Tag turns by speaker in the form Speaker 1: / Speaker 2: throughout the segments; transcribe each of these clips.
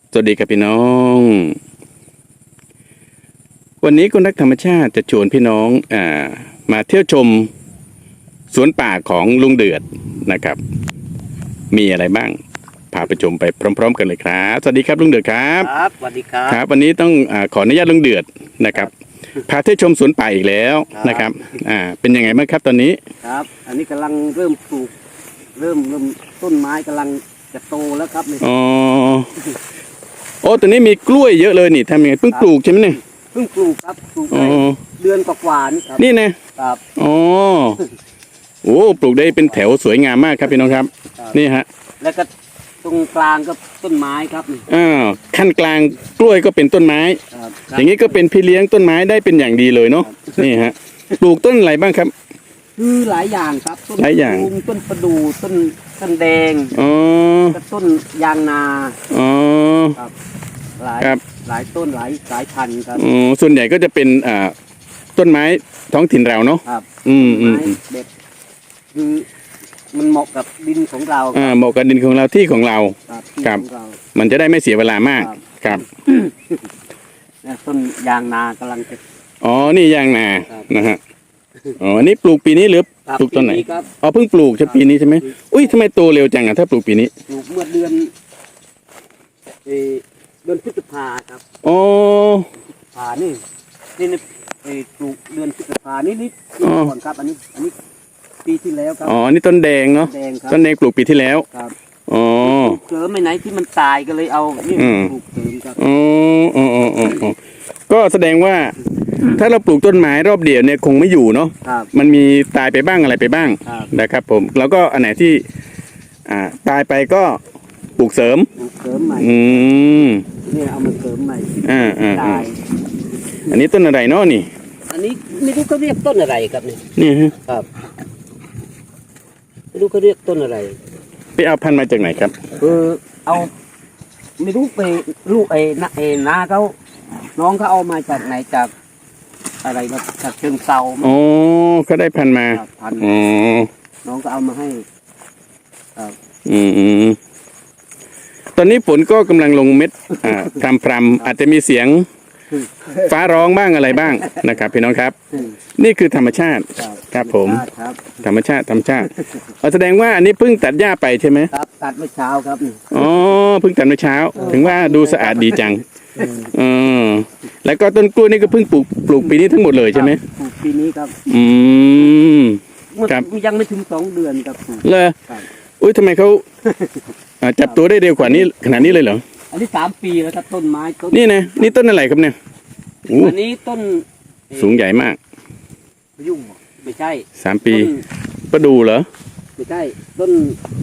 Speaker 1: สวัสดีครับพี่น้อง วันนี้คุณนักธรรมชาติจะชวนพี่น้องมาเที่ยวชมสวนป่าของลุงเดือดนะครับ มีอะไรบ้างพาไปชมไปพร้อมๆกันเลยครับสวัสดีครับลุงเดือดครับ
Speaker 2: ครับสวัสดีครับ
Speaker 1: ครับวันนี้ต้องขออนุญาตลุงเดือดนะครับพาเที่ยวชมสวนป่าอีกแล้วนะครับเป็นยังไงบ้างครับตอนนี้
Speaker 2: ครับอันนี้กำลังเริ่มปลูกเริ่มต้นไม้กำลังจะโตแล้วครับ
Speaker 1: อ๋อโอ้ตอนนี้มีกล้วยเยอะเลยนี่ทำยังไงเพิ่งปลูกใช่ไหมเนี่ย
Speaker 2: เพิ่งปลูกครับปลูกได้เดือนกว่าๆนี่ครับ
Speaker 1: นี่นะครับอ๋อโอ้ปลูกได้เป็นแถวสวยงามมากครับพี่น้องครับนี่ฮะ
Speaker 2: แล้วก็ตรงกลางก็ต้นไม้ครับนี่
Speaker 1: ขั้นกลางกล้วยก็เป็นต้นไม้อย่างนี้ก็เป็นพี่เลี้ยงต้นไม้ได้เป็นอย่างดีเลยเนาะนี่ฮะปลูกต้นอะไรบ้างครับ
Speaker 2: คือหลายอย่างครับต้น
Speaker 1: หลายอย่าง
Speaker 2: ต้นประดู่ต้นแดงต้นยางนาครับหลายต้นหลายพันธุ์ครับ
Speaker 1: ส่วนใหญ่ก็จะเป็นต้นไม้ท้องถิ่นเราเนาะ
Speaker 2: ครับไม้เด็ดคือมันเหมาะกับดินของเรา
Speaker 1: เหมาะกับดินของเราที่ของเราครับมันจะได้ไม่เสียเวลามากครับ
Speaker 2: ต้นยางนากำลังจะ
Speaker 1: นี่ยางนานะฮะนี่ปลูกปีนี้หรือปลูกตอนไหนเพิ่งปลูกใช่ปีนี้ใช่ไหมอุ้ยทำไมโตเร็วจังถ้าปลูกปีนี้
Speaker 2: ปลูกเมื่อเดือนพฤษภาครับ
Speaker 1: พฤ
Speaker 2: ษภานี่ปลูกเดือนพฤษภานี่ก่อนครับอันนี้ปีที่แล้วครับ
Speaker 1: นี่ต้นแดงเนาะต้นแดงปลูกปีที่แล้ว
Speaker 2: ครับเสริมไม่ไหนที่มันตายก็เลยเอานี่ปลูกเสริมครับ
Speaker 1: ก็แสดงว่าถ้าเราปลูกต้นไม้รอบเดียวเนี่ยคงไม่อยู่เนาะมันมีตายไปบ้างอะไรไปบ้างนะครับผมแล้วก็อันไหนที่ตายไปก็ปลูกเสริม
Speaker 2: ใหม่เนี่ยเอามาเสริมใหม่ตาย
Speaker 1: อันนี้ต้นอะไรเนาะนี่
Speaker 2: อันนี้ไม่รู้เขาเรียกต้นอะไรครับ
Speaker 1: นี่
Speaker 2: ครับไม่รู้เขาเรียกต้นอะไร
Speaker 1: ไปเอาพันธุ์มาจากไหนครับ
Speaker 2: เอาไม่รู้ไปลูกน้าเขาน้องเขาเอามาจากไหนจากอะไรมาจากเชิงเซา
Speaker 1: เขาได้พันธุ์มา
Speaker 2: น้องก็เอามาให้
Speaker 1: ตอนนี้ฝนก็กำลังลงเม็ดพรำอาจจะมีเสียงฟ้าร้องบ้างอะไรบ้างนะครับพี่น้องครับนี่คือธรรมชาติครับผมธรรมชาติแสดงว่าอันนี้เพิ่งตัดหญ้าไปใช่ไหม
Speaker 2: ครับตัดเมื่อเช้าครับ
Speaker 1: เพิ่งตัดเมื่อเช้าถึงว่าดูสะอาดดีจังแล้วก็ต้นกล้วยนี่ก็เพิ่งปลูกปีนี้ทั้งหมดเลยใช่ไหม
Speaker 2: ปลูกปีนี้ครับ
Speaker 1: ครับ
Speaker 2: ยังไม่ถึง2 เดือนครับ
Speaker 1: เลยอุ้ยทำไมเขาจับตัวได้เร็วกว่านี้ขนาดนี้เลยเหรอ
Speaker 2: อันนี้3 ปีแล้วครับต้นไม้
Speaker 1: นี่นะนี่ต้นอะไรครับเนี่ย
Speaker 2: อันนี้ต้น
Speaker 1: สูงใหญ่มาก
Speaker 2: ยุ่งไม่ใช่
Speaker 1: 3 ปีประดู่เหรอ
Speaker 2: ไม่ใช่ต้น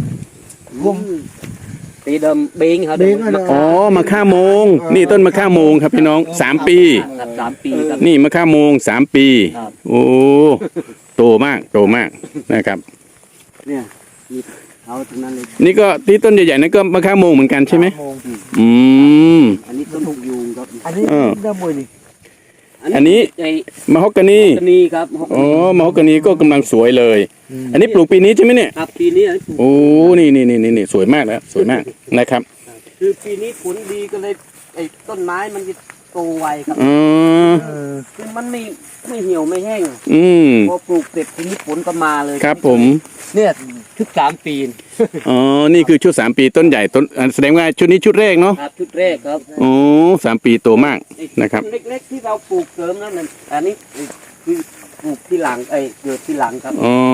Speaker 2: ตีเดิมเบงครับ
Speaker 1: มะข่าโมงนี่ต้นมะข่าโมงครับพี่น้อง3 ปี
Speaker 2: 3 ปีครับ
Speaker 1: นี่มะข่าโมง3 ปีโอ้โตมากนะครับ
Speaker 2: เนี่ยเอาตรงนั้นเลย
Speaker 1: นี่ก็ที่ต้นใหญ่ๆนั่นก็มะข่าโมงเหมือนกันใช่ไหม
Speaker 2: อันนี้ต้นหกยูงครับ
Speaker 3: อันนี้ด้ามวยนี่
Speaker 1: อันนี้มะฮอกกานี
Speaker 2: ครับ
Speaker 1: มะฮอกกานีก็กำลังสวยเลยอันนี้ปลูกปีนี้ใช่ไหมเนี่ย
Speaker 2: ครับปีนี้
Speaker 1: โอ้นี่สวยมากแล้วสวยมากนะครับ
Speaker 2: คือปีนี้ผลดีก็เลยต้นไม้มันจะโตไวครับคือมันไม่เหี่ยวไม่แห้งพอปลูกเสร็จทีนี้ผลก็มาเลย
Speaker 1: ครับผม
Speaker 2: เนี่ยชุด3 ปี
Speaker 1: นี่คือชุด3 ปีต้นใหญ่ต้นแสดงว่าชุดนี้ชุดแรกเนาะ
Speaker 2: ครับชุดแรกครับ
Speaker 1: 3 ปีโตมากนะครับ
Speaker 2: เล็กๆที่เราปลูกเสริมนั่นอันนี้คือปลูกที่หลังเกิดที่หลังครับ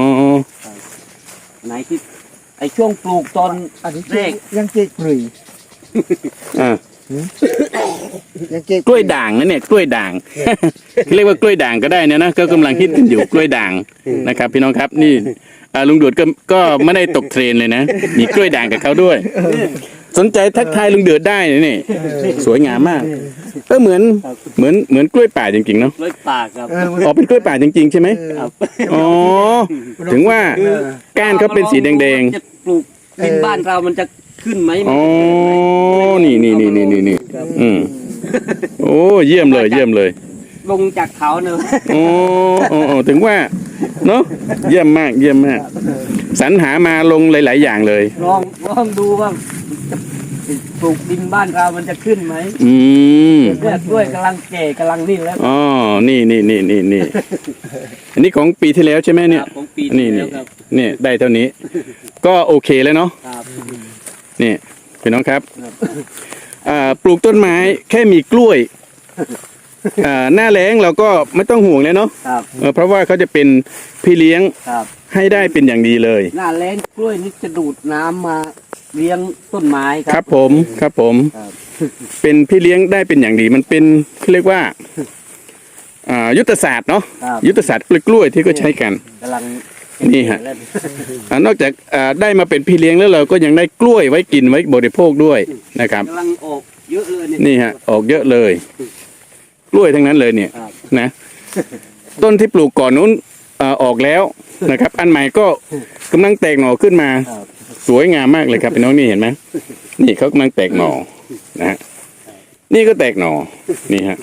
Speaker 2: ไหนที่ช่วงปลูกตอนแรก
Speaker 3: ยังเจ๊กลุ่ย
Speaker 1: กล้วยด่างนะเนี่ยกล้วยด่างเรียกว่ากล้วยด่างก็ได้นะก็กำลังฮิตกันอยู่กล้วยด่างนะครับพี่น้องครับนี่ลุงเดือดก็ไม่ได้ตกเทรนเลยนะมีกล้วยด่างกับเขาด้วยสนใจทักทายลุงเดือดได้นี่สวยงามมากเหมือนกล้วยป่าจริงๆเนาะ
Speaker 2: กล้วยป่าครับ
Speaker 1: เป็นกล้วยป่าจริงๆใช่ไหมถึงว่าก้านเขาเป็นสีแดง
Speaker 2: ๆจะปลูกดินบ้านเรามันจะขึ้นไหม
Speaker 1: นี่โอ้เยี่ยมเลย
Speaker 2: ลงจากเขาเนอะ
Speaker 1: ถึงว่าเนาะเยี่ยมมากสรรหามาลงหลายๆอย่างเลย
Speaker 2: ลองดูว่าปลูกดินบ้านเรามันจะขึ้นไหม
Speaker 1: อืม
Speaker 2: เนี่ยกล้วยกำลังแก่กำลังนี่แล้ว
Speaker 1: อ๋อนี่อันนี้ของปีที่แล้วใช่ไหมเนี่ย
Speaker 2: ครับของปีที่แล้วครับ
Speaker 1: นี่ได้เท่านี้ ก็โอเคแล้วเนาะ
Speaker 2: ครับ
Speaker 1: นี่พี่น้องครับปลูกต้นไม้แค่มีกล้วยหน้าแล้งเราก็ไม่ต้องห่วงเลยเนาะ
Speaker 2: ครับ
Speaker 1: เพราะว่าเขาจะเป็นพี่เลี้ยง
Speaker 2: ครับ
Speaker 1: ให้ได้เป็นอย่างดีเลย
Speaker 2: หน้าแล้งกล้วยนี่จะดูดน้ำมาเลี้ยงต้นไม้ค
Speaker 1: ค
Speaker 2: รั
Speaker 1: รับผมครับผม
Speaker 2: ครับ
Speaker 1: เป็นพี่เลี้ยงได้เป็นอย่างดีมันเป็นเขาเรียกว่ายุทธศาสตร์เนาะ
Speaker 2: ครับ
Speaker 1: ยุทธศาสตร์กล้วยที่ก็ใช้กัน
Speaker 2: กำลัง
Speaker 1: นี่ฮะ
Speaker 2: เล่น
Speaker 1: นอกจากได้มาเป็นพี่เลี้ยงแล้วเราก็ยังได้กล้วยไว้กินไว้บริโภคด้วยนะครับ
Speaker 2: กำลังออกเยอะเลยเนี่ย
Speaker 1: นี่ฮะออกเยอะเลย กล้วยทั้งนั้นเลยเนี่ย
Speaker 2: ครับ
Speaker 1: นะต้นที่ปลูกก่อนนู้นออกแล้วนะครับ อันใหม่ก็กำลังแตกหน่อขึ้นมา
Speaker 2: ครับ
Speaker 1: สวยงามมากเลยครับพี่น้องนี่เห็นไหมนี่เขากำลังแตกหน่อนะฮะนี่ก็แตกหน่อนี่ฮะ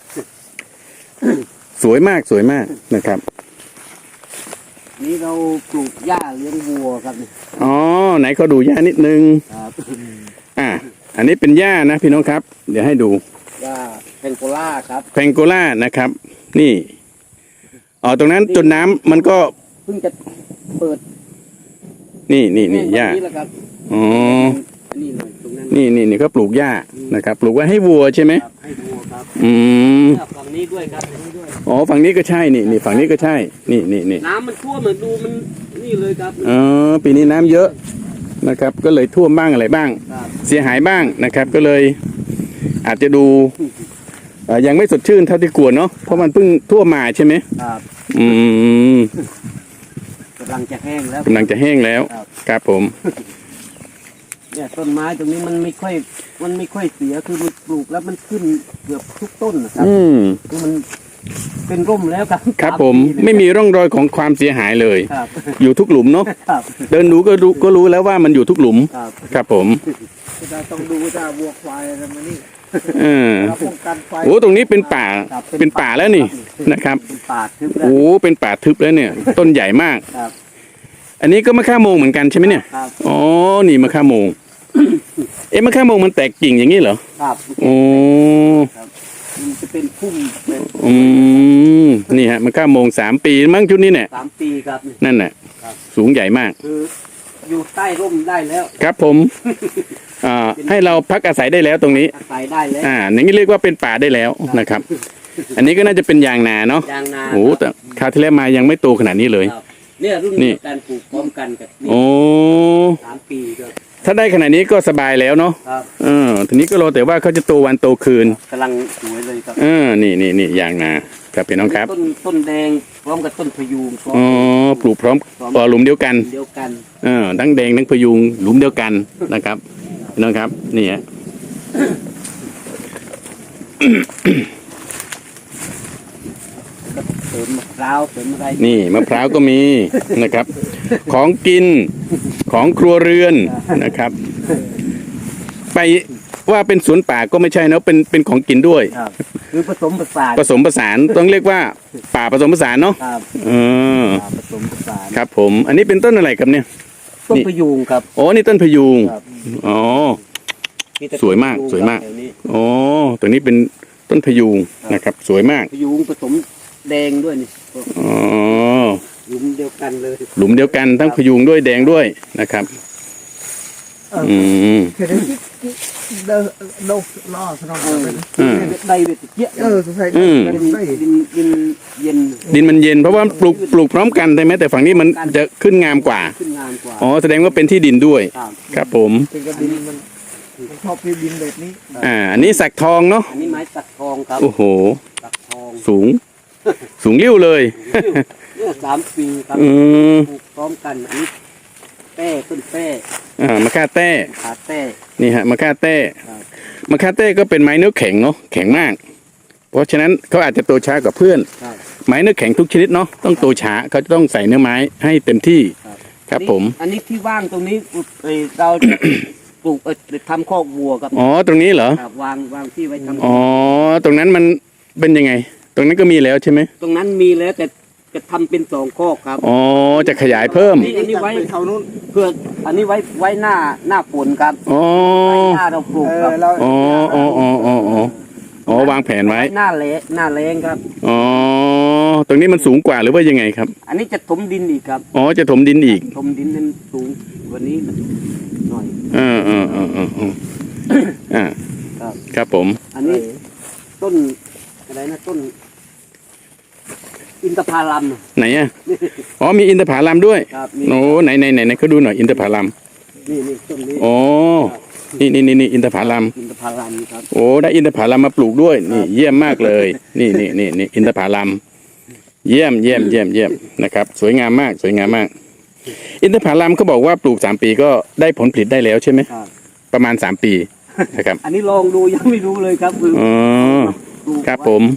Speaker 1: สวยมากนะครับ
Speaker 2: นี่เราปลูกหญ้าเลี้ยงวัวครับเนี่ย
Speaker 1: อ๋อไหนเขาดูหญ้านิดนึง
Speaker 2: ครับ
Speaker 1: อันนี้เป็นหญ้านะพี่น้องครับ เดี๋ยวให้ดู
Speaker 2: หญ้าแพงโกล่าครับ
Speaker 1: แพงโกล่านะครับ นี่ตรงนั้นจนน้ำมันก็
Speaker 2: เพิ่งจะเปิด
Speaker 1: นี่หญ้า
Speaker 2: วันนี้แหละครับ
Speaker 1: อ๋อ
Speaker 2: อันนี้เลยตรงนั้น
Speaker 1: นี่เขาปลูกหญ้านะครับ ปลูกไว้ให้วัวใช่ไหม
Speaker 2: ครับให้วัวครับ
Speaker 1: อืม
Speaker 2: เนี่ยฝั่งนี้ด้วยครับฝั่งนี้ด้วย
Speaker 1: อ๋อฝั่งนี้ก็ใช่นี่ฝั่งนี้ก็ใช่นี่
Speaker 2: น้ำมันท่วมเหมือนดูมันนี่เลยครับ
Speaker 1: อ๋อปีนี้น้ำเยอะนะครับ ก็เลยท่วมบ้างอะไรบ้าง
Speaker 2: ครับ
Speaker 1: เสียหายบ้างนะครับ ก็เลยอาจจะดูยังไม่สดชื่นเท่าที่ควรเนาะเพราะมันเพิ่งท่วมมาใช่ไหม
Speaker 2: ครับ
Speaker 1: อืม
Speaker 2: กำลังจะแห้งแล้ว
Speaker 1: กำลังจะแห้งแล้ว
Speaker 2: ครับ
Speaker 1: ครับผม
Speaker 2: เนี่ยต้นไม้ตรงนี้มันไม่ค่อยเสียคือมันปลูกแล้วมันขึ้นเกือบทุกต้นนะครับ
Speaker 1: อืม
Speaker 2: คือมันเป็นร่มแล้วครับ
Speaker 1: ครับ
Speaker 2: สา
Speaker 1: ผม
Speaker 2: ปีเลย
Speaker 1: ไม่มีร่องรอยของความเสียหายเลย
Speaker 2: ครับ
Speaker 1: อยู่ทุกหลุมเนาะ
Speaker 2: ครับ
Speaker 1: เดินดูก็รู้แล้วว่ามันอยู่ทุกหลุม
Speaker 2: ครับ
Speaker 1: ครับผม
Speaker 3: เราต้องดูว่าวัวควายอะไรมานี่
Speaker 1: เออ
Speaker 3: เราป้องกันไฟ
Speaker 1: โอ้ตรงนี้เป็นป่า
Speaker 2: ครับ
Speaker 1: เป็นป่าแล้วนี่นะครับ
Speaker 2: เป็นป่าทึบแล้ว
Speaker 1: โอ้เป็นป่าทึบแล้วเนี่ย ต้นใหญ่มาก
Speaker 2: ครับ
Speaker 1: อันนี้ก็มะข่าโมงเหมือนกันใช่ไหมเนี่ย
Speaker 2: ครับ
Speaker 1: อ๋อนี่มะข่าโมง มะข่าโมงมันแตกกิ่งอย่างนี้เหรอ
Speaker 2: ครับ
Speaker 1: โอ้
Speaker 2: มันจะเป็นพุ่มเป็น
Speaker 1: อืมนี่ฮะมะข่าโมง3 ปีมั้งชุดนี้เนี่ย
Speaker 2: 3 ปีครับ
Speaker 1: นั่นแหละ
Speaker 2: ครับ
Speaker 1: สูงใหญ่มาก
Speaker 2: คืออยู่ใต้ร่มได้แล้ว
Speaker 1: ครับผมให้เราพักอาศัยได้แล้วตรงนี้
Speaker 2: อาศัยได้แล้ว
Speaker 1: อย่างนี้เรียกว่าเป็นป่าได้แล้วนะครับ อันนี้ก็น่าจะเป็นยางนาเนาะ
Speaker 2: ยางนา
Speaker 1: โอ้แต่คราวที่แล้วมายังไม่โตขนาดนี้เลย
Speaker 2: ครับเนี่ยรุ่น
Speaker 1: นี่
Speaker 2: เดียวกันปลูกพร้อมกันกับนี่
Speaker 1: โอ้
Speaker 2: 3 ปีครับ
Speaker 1: ถ้าได้ขนาดนี้ก็สบายแล้วเนาะ
Speaker 2: ครับ
Speaker 1: ทีนี้ก็รอแต่ว่าเขาจะโตวันโตคืน
Speaker 2: กำลังสวยเลยครับ
Speaker 1: นี่ยางนาครับพี่น้องครับ
Speaker 2: ต้นแดงพร้อมกับต้นพะยูงพร้อม
Speaker 1: อ๋อปลูกพร้อมหลุมเดียวกัน
Speaker 2: เดียวกัน
Speaker 1: ทั้งแดงทั้งพยุงหลุมเดียวกันนะครับพี่น้องครับนี่ฮะ
Speaker 2: เสริมมะพร้าวเสริมอะไร
Speaker 1: นี่มะพร้าวก็มีนะครับ ของกินของครัวเรือนนะครับ ไปว่าเป็นสวนป่าก็ไม่ใช่นะเป็นของกินด้วย
Speaker 2: ครับคือผสมผสาน
Speaker 1: ผสมผสานต้องเรียกว่าป่าผสมผสานเนาะ
Speaker 2: ครับ
Speaker 1: เออ
Speaker 2: ผสมผสาน
Speaker 1: ครับผม อันนี้เป็นต้นอะไรครับเนี่ย
Speaker 2: ต้นพะยูงครับ
Speaker 1: อ๋อนี่ต้นพยุง
Speaker 2: ครับ
Speaker 1: อ๋อ
Speaker 2: แต่
Speaker 1: สวยมาก
Speaker 2: พะง
Speaker 1: สวยมาก
Speaker 2: ครับแถนี้
Speaker 1: อ๋อตัวนี้เป็นต้นพยุงนะครับ สวยมาก
Speaker 2: พะยูงผสมแดงด้วยนี่
Speaker 1: อ๋อ
Speaker 2: หลุมเดียวกันเลย
Speaker 1: หลุมเดียวกันทั้งพยุงด้วยแดงด้วยนะครับ อืม
Speaker 3: เห็นไหมที่เดินโดดล่อสนองเป็น
Speaker 1: อืม
Speaker 2: ได้เวทเยอะ
Speaker 3: สงสัย
Speaker 1: อืม
Speaker 3: ได้
Speaker 2: ดินเย็น
Speaker 1: ดินมันเย็นเพราะว่าปลูกพร้อมกันใช่ไหมแต่ฝั่งนี้มันจะขึ้นงามกว่า
Speaker 2: ขึ้นงามกว่า
Speaker 1: อ๋อแสดงว่าเป็นที่ดินด้วย
Speaker 2: ครับ
Speaker 1: ครับผม
Speaker 3: เป็นกระดินมันชอบที่ดินแบบนี้
Speaker 1: อันนี้สักทองเนาะ
Speaker 2: อันนี้ไม้สักทองครับ
Speaker 1: โอ้โห
Speaker 2: สักทอง
Speaker 1: สูงเลี้ยวเลย
Speaker 2: เนี่ย3 ปีครับ
Speaker 1: อืม
Speaker 2: ปลูกพร้อมกันอันนี้แป้ต้นแป้
Speaker 1: มะค่าแต้
Speaker 2: ขาแป้
Speaker 1: นี่ฮะมะค่าแต้
Speaker 2: ครับ
Speaker 1: มะค่าแต้ก็เป็นไม้เนื้อแข็งเนาะแข็งมาก เพราะฉะนั้นเขาอาจจะโตช้ากว่าเพื่อน
Speaker 2: ครับ
Speaker 1: ไม้เนื้อแข็งทุกชนิดเนาะต้องโตช้าเขาจะต้องใส่เนื้อไม้ให้เต็มที่
Speaker 2: ครับ
Speaker 1: ครับผม
Speaker 2: อันนี้ที่ว่างตรงนี้เราจะ ปลูกทำคอกวัวครับ
Speaker 1: อ๋อตรงนี้เหรอ
Speaker 2: ครับวางที่ไว้ทำ
Speaker 1: อ๋อตรงนั้นมันเป็นยังไง ตรงนั้นก็มีแล้วใช่ไหม
Speaker 2: ตรงนั้นมีแล้วแต่จะทำเป็น2 ข้อครับ
Speaker 1: อ๋อจะขยายเพิ่ม
Speaker 2: อันนี้ไว้เขานู้นเพื่ออันนี้ไว้หน้าฝนครับ
Speaker 1: อ๋อ
Speaker 2: ไว้หน้าเราปลูกครับ
Speaker 3: แล้ว
Speaker 1: อ๋ออ๋ออ๋ออ๋ออ๋อวางแผนไว้
Speaker 2: หน้าแรงครับ
Speaker 1: อ๋อตรงนี้มันสูงกว่าหรือว่ายังไงครับ
Speaker 2: อันนี้จะถมดินอีกครับ
Speaker 1: อ๋อจะถมดินอีก
Speaker 2: ถมดินเป็นสูงกว่านี้หน่อย
Speaker 1: อ่า
Speaker 2: ครับ
Speaker 1: ครับผม
Speaker 2: อันนี้ต้นอะไรนะต้น อินทผลัม
Speaker 1: ไหนอ่ะอ๋อมีอินทผลัมด้วย
Speaker 2: ครับนี่
Speaker 1: โอ้ไหนเขาดูหน่อยอินทผลัม
Speaker 2: นี่ต้นนี้
Speaker 1: อ๋อนี่อินทผลัม
Speaker 2: อินทผลัมครับ
Speaker 1: โอ้ได้อินทผลัมมาปลูกด้วยนี่เยี่ยมมากเลยนี่อินทผลัมเยี่ยมนะครับสวยงามมากอินทผลัมเขาบอกว่าปลูก3 ปีก็ได้ผลผลิตได้แล้วใช่ไหม
Speaker 2: ครับ
Speaker 1: ประมาณ3 ปีนะครับ
Speaker 2: อันนี้ลองดูยังไม่รู้เลยครับคือ
Speaker 1: อ๋อ
Speaker 2: ปลูก
Speaker 1: ครับ
Speaker 2: ไว้
Speaker 1: ผม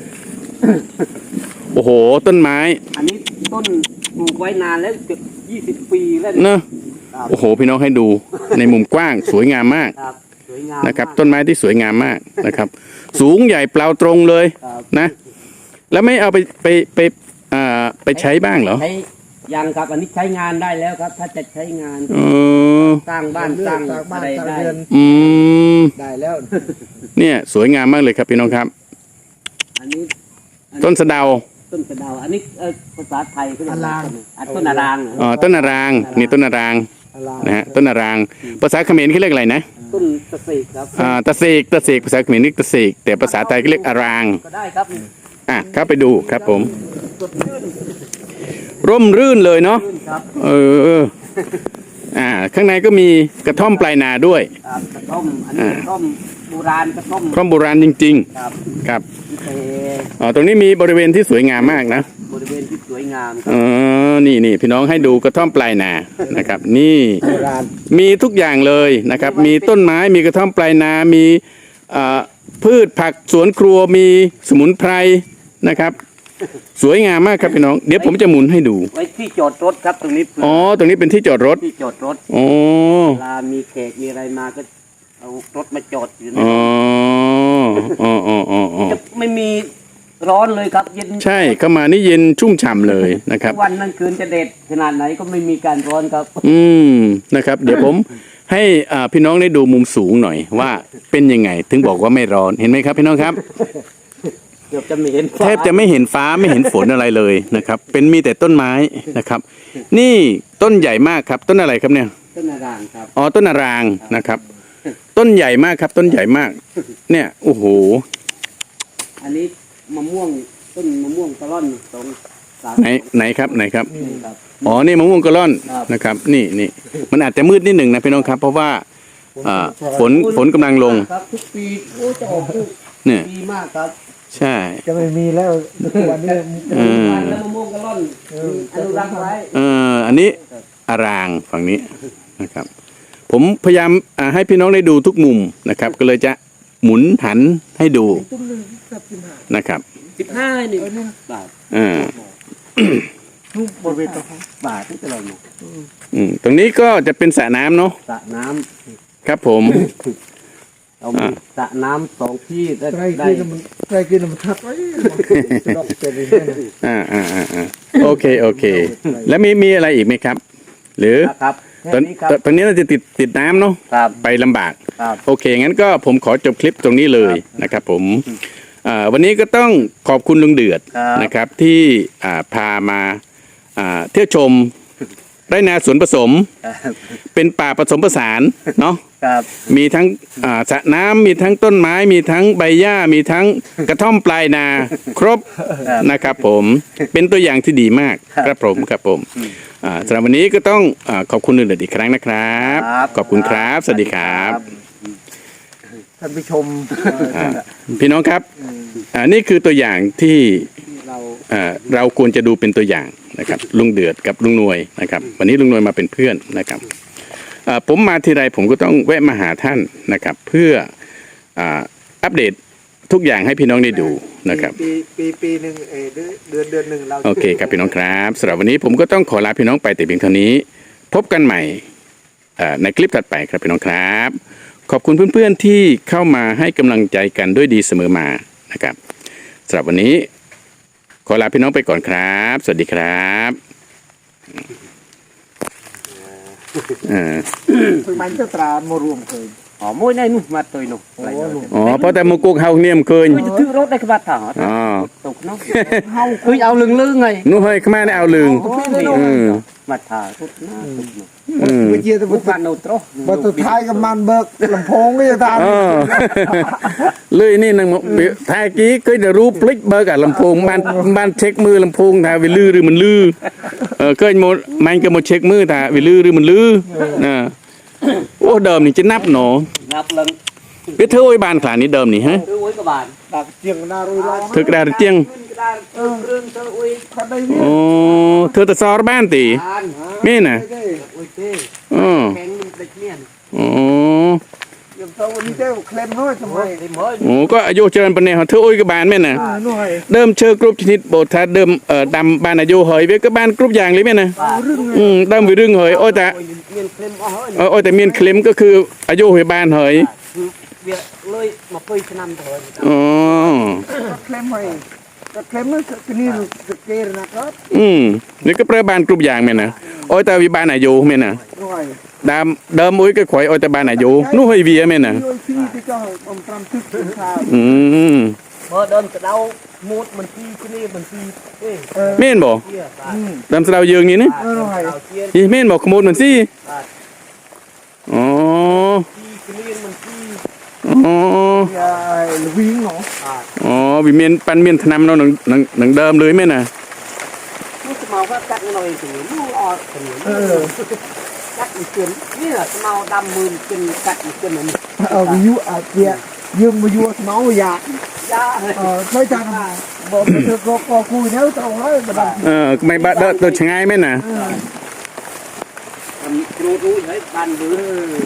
Speaker 1: โอ้โหต้นไม้
Speaker 2: อันนี้ต้นปลูกไว้นานแล้วเกือบ20 ปีแล้ว
Speaker 1: เนอะ
Speaker 2: ครับ
Speaker 1: โอ้โหพี่น้องให้ดูในมุมกว้างสวยงามมาก
Speaker 2: ครับสวยงาม
Speaker 1: นะครับ
Speaker 2: มาก
Speaker 1: ต้นไม้ที่สวยงามมากนะครับ สูงใหญ่เปล่าตรงเลย
Speaker 2: ครับ
Speaker 1: นะ แล้วไม่เอาไปใช้บ้างเหรอ
Speaker 2: ใช้ยังครับอันนี้ใช้งานได้แล้วครับ ถ้าจะใช้งาน
Speaker 1: เออ
Speaker 2: สร้างบ้านสร้าง
Speaker 3: จากบ้า
Speaker 2: อะ
Speaker 3: น
Speaker 2: ไร
Speaker 3: จาก
Speaker 2: ได้
Speaker 3: เรือน
Speaker 1: อืม
Speaker 3: ได้แล้ว
Speaker 1: เนี่ยสวยงามมากเลยครับพี่น้องครับ
Speaker 2: อันนี้
Speaker 1: ต้นสะเดา
Speaker 2: ต้นกระเดาอันนี้ภาษาไทยก็เรียกว่าต้นอารางเหรอ
Speaker 1: อ๋อต้นนารางนี่ต้นนาราง
Speaker 3: อะไร
Speaker 1: นะฮะต้นนารางภาษาเขมรเขาเรียกอะไรนะ
Speaker 2: ต้นตะเสกครับ
Speaker 1: ตะเสกภาษาเขมรเรียกตะเสกแต่ภาษาไทยก็เรียกอาราง
Speaker 2: ก็ได้ครับ
Speaker 1: เข้าไปดูครับผม
Speaker 2: สดชื่น
Speaker 1: ร่มรื่นเลยเนาะ
Speaker 2: ชื่นครับ
Speaker 1: ข้างในก็มีกระท่อมปลายนาด้วย
Speaker 2: ครับกระท่อมอันนี้กระท่อมโบราณกระท่อม
Speaker 1: กระท่อมโบราณจริง
Speaker 2: ครับ
Speaker 1: ๆ ครับ
Speaker 2: เอ่อ
Speaker 1: ตรงนี้มีบริเวณที่สวยงามมากนะ
Speaker 2: บริเวณที่สวยงามค
Speaker 1: อ๋
Speaker 2: รับ
Speaker 1: อนี่พี่น้องให้ดูกระท่อมปลายนานะครับ นี่
Speaker 3: โบราณ
Speaker 1: มีทุกอย่างเลยนะครับ มีต้นไม้มีกระท่อมปลายนามีพืชผักสวนครัวมีสมุนไพรนะครับ สวยงามมากครับพี่น้องเดี๋ยวผมจะหมุนให้ดู
Speaker 2: ไว้ที่จอดรถครับตรงนี้เผื่อ
Speaker 1: อ๋อตรงนี้เป็นที่จอดรถ
Speaker 2: ที่จอดรถ
Speaker 1: อ๋อ
Speaker 2: เวลามีแขกมีอะไรมาก็เอารถมาจอดอยู่
Speaker 1: อ๋
Speaker 2: นะ
Speaker 1: อ
Speaker 2: จะไม่มีร้อนเลยครับเย็น
Speaker 1: ใช่เข้ามานี่เย็นชุ่มฉ่ำเลยนะครับ
Speaker 2: วันนั้นคืนจะเด็ดขนาดไหนก็ไม่มีการร้อนครับ
Speaker 1: นะครับ เดี๋ยวผมให้พี่น้องได้ดูมุมสูงหน่อยว่าเป็นยังไง ถึงบอกว่าไม่ร้อนเห็นไหมครับพี่น้องครับ
Speaker 2: เกือบจะไม่เห็น
Speaker 1: แทบจะไม่เห็นฟ้าไม่เห็นฝนอะไรเลยนะครับ เป็นมีแต่ต้นไม้นะครับ นี่ต้นใหญ่มากครับ ต้นอะไรครับเนี่ย
Speaker 2: ต้นนารางครับ
Speaker 1: อ๋อต้นนารางนะครับ ต้นใหญ่มากครับ ต้นใหญ่มาก เนี่ยโอ้โห
Speaker 2: อันนี้มะม่วงต้นมะม่วงกะล่อน2-3
Speaker 1: ไหนครับ
Speaker 2: ครับ
Speaker 1: อ๋อนี่มะม่วงกะล่อน
Speaker 2: ครับ
Speaker 1: นะครับ นี่มันอาจจะมืดนิดหนึ่งนะพี่น้องครับ เพราะว่าฝนกำลังลง
Speaker 2: ครับทุกปีโอ้จะออกลูก
Speaker 1: เนี่ย
Speaker 2: ดีมากครับ
Speaker 1: ใช่
Speaker 3: จะไม่มีแล้ววันนี้
Speaker 2: มันแล้วมะม่วงกะล่อนอนุรักษ์ไว้
Speaker 1: อันนี้อารางฝั่งนี้นะครับ ผมพยายามให้พี่น้องได้ดูทุกมุมนะครับ ก็เลยจะหมุนหันให้ดูนะครับ
Speaker 2: 15นี่บาท
Speaker 3: บริเวณตรง
Speaker 2: บาทนี่เป็นไรเนี่ย
Speaker 1: ตรงนี้ก็จะเป็นสระน้ำเนาะ
Speaker 2: สระน้
Speaker 1: ครับผม
Speaker 2: ำเรามีสระน้ำ2 ที่ได้
Speaker 3: ใกล้
Speaker 2: ได้
Speaker 3: กินมันใกล้กินมันทับไว้ดอกเต็มเลยนะ
Speaker 1: โอเค แล้วมีอะไรอีกไหมครับ หรือ
Speaker 2: ครับ
Speaker 1: ตอน
Speaker 2: นี้ครับ
Speaker 1: ตอนนี้เราจะติดน้ำเนาะ
Speaker 2: ครับ
Speaker 1: ไปลำบาก
Speaker 2: ครับ
Speaker 1: โอเค งั้นก็ผมขอจบคลิปตรงนี้เลยนะครับผมวันนี้ก็ต้องขอบคุณลุงเดือด
Speaker 2: ครับ
Speaker 1: นะครับที่พามาเที่ยวชมไร่นาสวนผสม เป็นป่าผสมผสานเนาะ
Speaker 2: ครับ
Speaker 1: มีทั้งสระน้ำมีทั้งต้นไม้มีทั้งใบหญ้ามีทั้งกระท่อมปลายนาครบนะครับผมเป็นตัวอย่างที่ดีมากครับผมสำหรับวันนี้ก็ต้องขอบคุณลุงเดือดอีกครั้งนะครับ ขอบคุณครับสวัสดีครับ
Speaker 3: ท่านผู้ชม
Speaker 1: พี่น้องครับนี่คือตัวอย่างที่
Speaker 2: เรา
Speaker 1: เราควรจะดูเป็นตัวอย่างนะครับลุงเดือดกับลุงหน่วยนะครับวันนี้ลุงหน่วยมาเป็นเพื่อนนะครับผมมาทีไรผมก็ต้องแวะมาหาท่านนะครับเพื่ออัปเดตทุกอย่างให้พี่น้องได้ดูนะครับ
Speaker 3: ปีหนึ่งเดือนหนึ่งเรา
Speaker 1: โอเคครับพี่น้องครับสำหรับวันนี้ผมก็ต้องขอลาพี่น้องไปแต่เพียงเท่านี้พบกันใหม่ในคลิปถัดไปครับพี่น้องครับขอบคุณเพื่อนๆที่เข้ามาให้กำลังใจกันด้วยดีเสมอมานะครับสำหรับวันนี้ขอลาพี่น้องไปก่อนครับ สวัสดีครับ
Speaker 3: คือมันจะตรามารวมเคย
Speaker 2: อ๋อมวยในนู่นมาตัวนู่น
Speaker 1: อ๋อเพราะแต่มุกุกเฮาเนี่ยมเคย
Speaker 2: คือจะถือรถได้ขบัดถอด
Speaker 1: อ๋อ
Speaker 2: ตกเนาะคือเอาลึงๆไง
Speaker 1: นู้เฮ้ยขมาได้เอาลึง
Speaker 2: มาถ่ายทุกหน้าทุกหน้า
Speaker 3: ไปเจียแต่
Speaker 2: ทุกบ้านโนตร
Speaker 3: บัตรท้ายกับมันเบิกลำโพงก็จะทาน
Speaker 1: เลยนี่นังท้ายกี้ก็จะรู้พลิกเบอร์กับลำโพงบ้านเช็คมือลำโพงถ้าวิลือหรือมันลือก็มันก็มาเช็คมือถ้าวิลือหรือมันลือนะโอ้เดิมนี่จะนับหนอ
Speaker 2: นับลัง
Speaker 1: biết thưa ôi bàn khả ní đờm này hả
Speaker 2: คือไว้กับบ้าน
Speaker 3: ดักเจียงนารุยล้อ
Speaker 1: thực ra là chiêng
Speaker 2: ก็ได้เครื่องเธออุ้ย
Speaker 3: ขัดได้เนี่ย
Speaker 1: ồ thưa ta so ban tỷ
Speaker 2: บ้าน
Speaker 1: mê nè
Speaker 2: อุ้ยเต้
Speaker 1: ồ
Speaker 2: แข็งมันเด็กเนี่ย
Speaker 1: ồ
Speaker 3: ยังเท่าวันนี้เจ้าเคลมน้อยทำไม
Speaker 2: ไอ้หมอ
Speaker 1: ồ có ayo chơi bên này họ thưa ôi cái bàn mê nè
Speaker 3: น้อย
Speaker 1: đơm chơi group chít bộ thà đơm ở đầm bàn ayo hỏi với các ban group vàng lấy mê nè
Speaker 2: บ้าน
Speaker 1: đơm vì rừng hỏi ôi ta
Speaker 2: เมียนเคลมอ๋อ
Speaker 1: ôi ta miên claimก็คือ ayo hỏi bàn hỏi
Speaker 2: คือเวียเลยมาเปยชนำเถอะ
Speaker 1: ồ
Speaker 3: เคลมไว้ก็เคลมนั่นคือนี่เกย์นะครับ
Speaker 1: นี่ก็ประbàn group vàng mê nè ôi ta vì bàn ayo mê nè
Speaker 3: น้อย
Speaker 1: đơm ôi cái khỏi ôi ta bàn ayo nó hơi vì mê nè
Speaker 3: ด้วยที่ที่เจ้าผมทำทึกถึงข่าว
Speaker 2: เมื่อเดินกระเดามูดมันที่ที่นี่มันที่เอ้ย
Speaker 1: mên bỏ
Speaker 2: เที่ยบ้าน
Speaker 1: đâm sao dương như thế
Speaker 3: น้อย
Speaker 2: เอาเทียน
Speaker 1: thì mên bỏ một mình xí
Speaker 2: บ้าน
Speaker 1: ồ
Speaker 2: ที่ที่นี่มันที่
Speaker 1: ồ
Speaker 3: อย่าวิ่งเนาะ
Speaker 2: บ้าน
Speaker 1: ồ vì miên pan miên tham nó nằng đơm lưới mên à
Speaker 2: มูสมาว่ากัดเงินเราเองถึงมูออถึงกัดอีกเกินนี่แหละสมาดำมือกินกัดอีกเกินมัน
Speaker 3: วิวอาเจียยืมมาอยู่เมาอยาก
Speaker 2: ยาเลย
Speaker 3: ไม่จังบอกเธอก็คุยแล้วต้องให้มาดัง
Speaker 1: mày bạn đợi tôi chẳng ai mên à
Speaker 2: กรูดรู้เฮ้ยบ้านบื้อ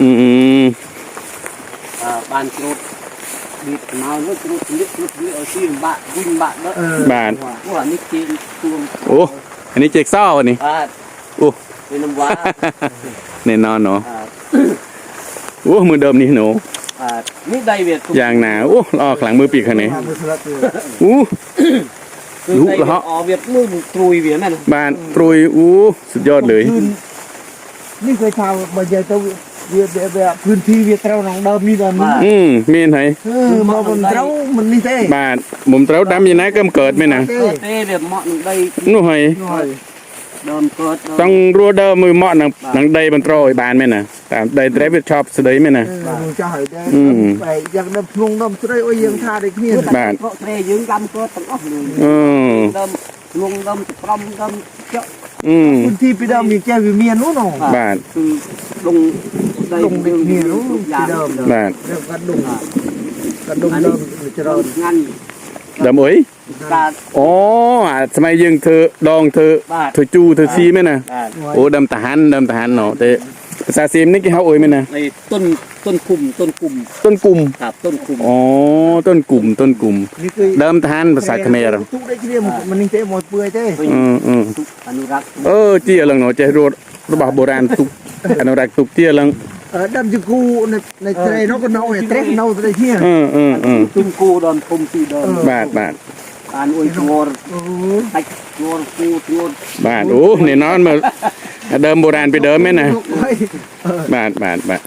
Speaker 2: บ้านกรูดบีบเมาเนื้อกรูดนิดกรูดนี่เอาซีนบะวิ่งบะเด้อ
Speaker 1: bạn
Speaker 2: ว่านี่กินตัว
Speaker 1: ồ anh ấy chạy sao này
Speaker 2: บ้าน
Speaker 1: ồ
Speaker 2: เป็นน้ำว้า
Speaker 1: này non nó ồ mưa đơm đi nổ
Speaker 2: นี่ได้เวียด
Speaker 1: giang nào ồ lo khẳng mưa pịt này
Speaker 3: ทำมือสลัดตัว
Speaker 1: ú
Speaker 2: คือได้ออเวียดมือตรุยเวียดนั่น
Speaker 1: bạn rồi úสุดยอดเลย
Speaker 3: นี่เคยทำมาเจอตัวเวียแบบพื้นที่เวียเราหนองเดิมนี่แบบนี้
Speaker 1: miên thấy
Speaker 3: มาบนเรามันนี่เต้
Speaker 1: bạn mồm trấu đắm gì nãy cơm cợt mên à
Speaker 2: เต้เวียดเหมาะหนึ่งได้
Speaker 1: nó hay
Speaker 3: หน่อย
Speaker 2: เดิมเกิด
Speaker 1: ต้องรัวเดิมมือเหมาะหนังใดบรรโตยบานไหมนะแต่ใดเทรปชอบสดายไหมนะ
Speaker 3: ดูจะหายได้ไปยังดำพงดำสไลโอ้ยยังทาได้เพี้ยน
Speaker 1: บาน
Speaker 2: ก็เตยยืงดำเกิดตั้งอ๋อเลย ดำลุงดำปรำดำเจาะ
Speaker 3: พื้นที่ไปดำมีแก้วเมียนู้นหนอบ
Speaker 1: าน
Speaker 2: คือลงได้
Speaker 3: ลงเด็กเมียนู้น
Speaker 2: ยา
Speaker 3: ที่เดิม
Speaker 1: บาน
Speaker 3: เรื่องกระดุมกระดุมเดิมจะเรา
Speaker 2: งาน
Speaker 1: ดำเอ้ย
Speaker 2: การ
Speaker 1: อ๋อสมัยยังเธอดองเธอจูเธอซีไหมนะโอ้ดำทหารเนาะแต่ภาษาซีมนี่กี่เขาเอ้ยไหมนะ
Speaker 2: ในต้นคุม
Speaker 1: ต้นกลุ่ม
Speaker 2: ครับต้นคุม
Speaker 1: อ๋อต้นกลุ่ม
Speaker 3: นี่คือ
Speaker 1: เดิมทหารภาษาเขมร
Speaker 3: ทุกได้เรียมันนี่เต้หมดเปื่อยเต้
Speaker 2: อนุรักษ์
Speaker 1: เจี๊ยลังเนาะใจรัวระบาดโบราณตุกอนุรักษ์ตุกเจี๊ยลัง
Speaker 3: ดำจะกูในเตรนกก็เน่าเตรเน่าได้เที่ย
Speaker 2: ตุ้มกูดอนคุมสีดอน
Speaker 1: บาท
Speaker 2: การอุ้ยงอร์ตักงอร์กูงอร์
Speaker 1: บาทโอ้เนี่ยนอนมาเดิมโบราณไปเดิมไหมนะบาท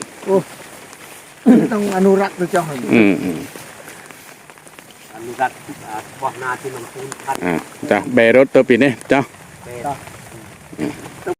Speaker 3: ต้องอนุรักษ์ตัวเจ้าห
Speaker 2: อนุรักษ์บ่อนาที่มันคูนพัน
Speaker 1: จ้ะเบรถตัวปีนี้จ้ะ
Speaker 2: เป็น